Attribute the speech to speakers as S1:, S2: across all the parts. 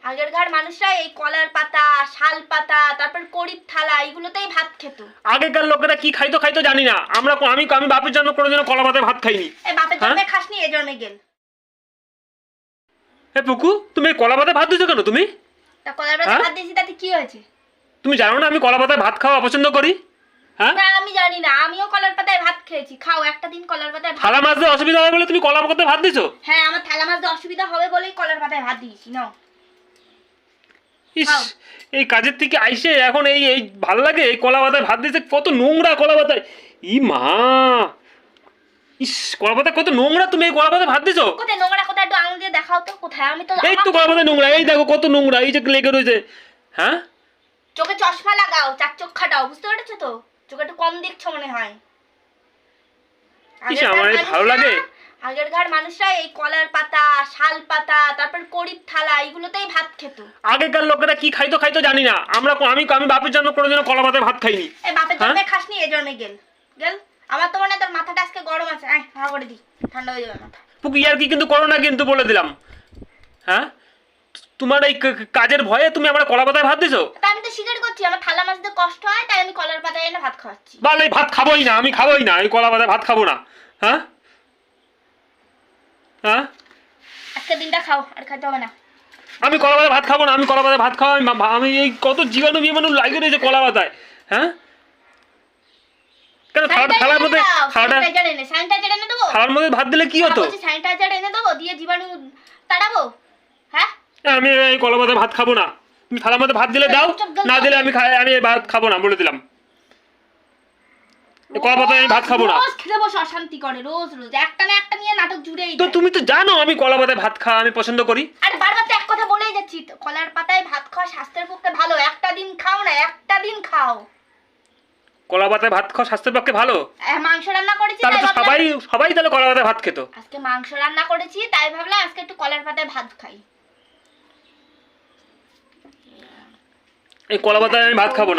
S1: আগেরকার মানুষরা এই কলার পাতা, শাল পাতা, তারপর করিব থালা এগুলোতেই ভাত খেত।
S2: আগেকার লোকেরা কি খাইতো জানি না। আমি বাপের জন্ম কোনোদিনও কলা পাতায় ভাত খাইনি।
S1: এই বাপের জন্মে খাসনি, এই জন্মে গেল।
S2: এ পুকু, তুমি এই কলা পাতায় ভাত দিছো কেন তুমি?
S1: তা কলার পাতায় ভাত দিয়েছি তাতে কি হয়েছে?
S2: তুমি জানো না আমি কলা পাতায় ভাত খাওয়া পছন্দ করি? হ্যাঁ
S1: না আমি জানি না, আমিও কলার পাতায় ভাত খেয়েছি। খাও একটা দিন কলার পাতায় ভাত।
S2: থালা মাছতে অসুবিধা হবে বলে তুমি কলা পাতায় ভাত দিছো?
S1: হ্যাঁ, আমার থালা মাছতে অসুবিধা হবে বলেই কলার পাতায় ভাত দিয়েছি। নাও।
S2: ইস, এই কাজের থেকে আইসে এখন এই এই ভালো লাগে। এই কলা পাতায় ভাত দিয়েছে, কত নোংরা কলা পাতায়। ই মা, ইস কলা পাতা কত নোংরা। তুমি এই কলা পাতায় ভাত দিছো?
S1: কোথায় নোংরা? কোথায় একটু আঙুল দিয়ে দেখাও তো কোথায়। আমি তো
S2: এই তো কলা পাতায় নোংরা, এই দেখো কত নোংরা, এই যে লেগে রয়েছে। হ্যাঁ,
S1: চোখে চশমা লাগাও, চার চোখ খাটাও, বুঝতে পেরেছো তো? চোখে একটু কম দেখছো মনে হয়।
S2: ইস, আমার ভালো লাগে।
S1: আগেরকার মানুষরা এই কলার পাতা, শাল পাতা, তারপর করিব থালা এগুলোতেই ভাত খেত।
S2: আগেকার লোকেরা কি খাইতো জানি না। আমি বাপের জন্ম কোনোদিনও কলা পাতায় ভাত খাইনি।
S1: এই বাপের জন্মে খাসনি, এই জন্মে গেল। আমার তো মনে হয় তোর মাথাটা আজকে গরম আছে। আয় হাওয়া করে দি, ঠান্ডা হয়ে যাবে মাথা।
S2: পুকি আর কি কিন্তু করো না, কিন্তু বলে দিলাম। হ্যাঁ, তোমার এই কাজের ভয়ে তুমি আমার কলা পাতায় ভাত দিছো?
S1: তা আমি তো স্বীকার করছি আমার থালা মাছতে কষ্ট হয়, তাই আমি কলার পাতায় এনে ভাত খাওয়াচ্ছি।
S2: বল, এই ভাত খাবোই না, আমি খাবোই না, এই কলা পাতায় ভাত খাবো না। হ্যাঁ হ্যাঁ,
S1: আজকে দিনটা খাও, আর খেতে হবে না।
S2: আমি কলা পাতায় ভাত খাবো না, আমি কলা পাতায় ভাত খাওয়া আমি এই কত জীবাণু লাগিয়ে রয়েছে কলা পাতায়। হ্যাঁ, কেন থালার মধ্যে
S1: স্যানিটাইজার এনে দেবো?
S2: থালার মধ্যে ভাত দিলে কি হতো?
S1: স্যানিটাইজার এনে দেবো, দিয়ে জীবাণু তাড়াবো। হ্যাঁ,
S2: আমি এই কলা পাতায় ভাত খাবো না। তুমি থালার মধ্যে ভাত দিলে দাও, না দিলে আমি ভাত খাবো না, বলে দিলাম। কলা পাতায় আমি ভাত খাবো না।
S1: রোজ খেতে বসে অশান্তি করে, রোজ রোজ একটা না একটা নিয়ে নাটক জুড়েই
S2: তো
S1: যায়।
S2: তুমি তো জানো আমি কলা পাতায় ভাত খাওয়া আমি পছন্দ করি।
S1: আরে বারবার তো এক কথা বলেই যাচ্ছি, কলার পাতায় ভাত খাওয়া স্বাস্থ্যের পক্ষে ভালো। একটা দিন খাও না, একটা দিন খাও।
S2: কলা পাতায় ভাত খাওয়া স্বাস্থ্যের পক্ষে ভালো?
S1: মাংস রান্না করেছি
S2: তাহলে তো সবাই তাহলে কলা পাতায় ভাত খেত।
S1: আজকে মাংস রান্না করেছি, তাই ভাবলাম আজকে একটু কলার পাতায় ভাত খাই।
S2: এই কলা পাতায় আমি ভাত খাবো না।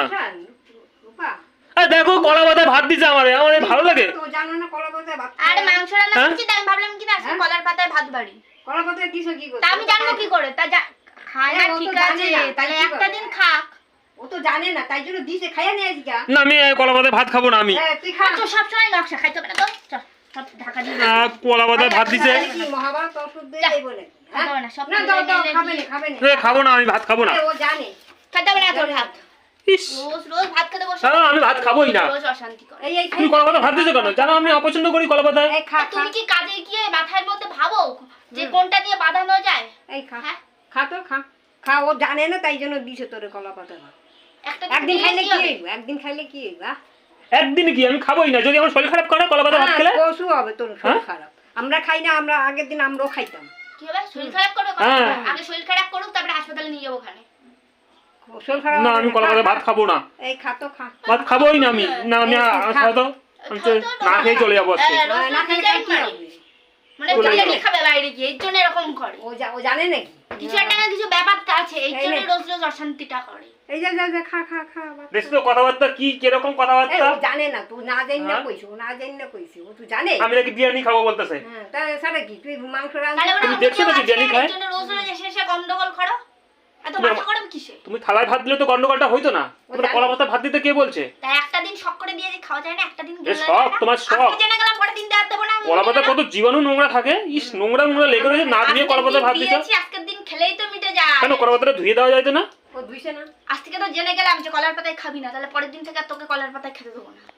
S2: দেখো কলা পাতায় ভাত দিছে আমার ভালো লাগে।
S1: আরে মাংস রান্না করেছি, তাই ভাবলাম কি না আজকে কলার পাতায় ভাত বাড়ি।
S3: কলা পাতায় দিছো কি করে?
S1: তা আমি জানবো কি করে? তা খায় না, ঠিক আছে, তাহলে একটা দিন খাক।
S3: ও তো জানে না, তাই জন্য দিছে, খাইয়া নিয়ে আসি গা।
S2: না, আমি কলা পাতায় ভাত খাবো না। আমি
S3: তুই খা
S1: তো সব সময় নকশা খাইতে হবে না তো। চল সব ঢাকা দিয়ে
S2: কলা পাতায় ভাত দিছে।
S3: মহাভারত ওষুধ দেই বলে
S1: না, সব
S3: না দাও দাও, খাবে না
S2: খাবো না, আমি ভাত খাবো না।
S3: ও জানে
S1: খেতে হবে না তোর ভাত।
S2: ইস,
S1: রোজ রোজ ভাত খেতে বসে
S2: আমি ভাত খাবোই না।
S1: রোজ অশান্তি করে।
S3: এই
S2: তুমি কলা পাতায় ভাত দিছো কেন? জানো আমি অপছন্দ করি কলা পাতায়।
S3: এই খা খা
S1: তুমি কি কাজে গিয়ে মাথার মধ্যে ভাবো যে কোনটা দিয়ে বাঁধানো যায়?
S3: এই খা
S1: হ্যাঁ,
S3: খা তো খা খা। ও জানে না, তাই জন্য দিছে তোরে কলা পাতা। একদিন খাইলে কি হইব? একদিন খাইলে কি হইব?
S2: একদিন কি আমি খাবোই না। যদি আমার শরীর খারাপ করে কলা পাতায় ভাত খেলে
S3: পশু হবে তোর শরীর খারাপ। আমরা খাই না, আমরা আগের দিন আমরাও খাইতাম।
S1: কি হবে? শরীর খারাপ করবে? আগে শরীর খারাপ করুক, তারপরে হাসপাতালে নিয়ে যাবো ওখানে।
S3: শরীর খারাপ
S2: না, আমি কলা পাতায় ভাত খাবো না।
S3: এই খা তো খা।
S2: ভাত খাবোই না আমি। না, আমি খাওয়া তো না খেয়ে চলে যাবো আজকে।
S3: না খাইলে কি হবে?
S1: মানে বিরিয়ানি খাবে বাইরে গিয়ে, এর জন্য এরকম করে।
S3: ও জানে নাকি?
S1: কিছু একটা না কিছু ব্যাপারটা আছে, এই জন্য রোজ রোজ অশান্তিটা করে।
S3: এই যা খা খা খা।
S2: দেখছো তো কথাবার্তা কি কিরকম কথাবার্তা?
S3: ও জানে না, তুই না জানি না কইছো, না জানি না কইছি। ও তুই জানে
S2: আমি নাকি বিরিয়ানি খাবো বলতেছে।
S3: হ্যাঁ, তাহলে সারা কি তুই মাংস
S1: তাহলে
S3: রান্না?
S2: তুমি দেখছো না বিরিয়ানি খায়?
S1: এর জন্য রোজ রোজ এসে গন্ডগোল করো। এত মাথা গরম কিসে?
S2: তুমি থালায় ভাত দিলে তো গন্ডগোলটা হইতো না। তোমরা কলা পাতায় ভাত দিতে কে বলছে?
S1: তাই একটা দিন শখ করে দিয়ে যে খাওয়া যায় না, একটা দিন
S2: এ শখ, তোমার শখ।
S1: আজকে জেনে গেলাম, পরের দিন দেব না।
S2: কলা পাতায় কত জীবাণু নোংরা থাকে। ইস, নোংরা লেগে রয়েছে। না ধুয়ে কলা পাতায় ভাত দিছো
S1: আজকের দিন খেলেই তো মিটে যায়।
S2: কেন? কলা পাতাটা ধুয়ে দেওয়া যাইতো না?
S3: ও ধুইছে না।
S1: আজ থেকে তো জেনে গেলাম যে কলার পাতায় খাবি না, তাহলে পরের দিন থেকে আর তোকে কলার পাতায় খেতে দেবো না।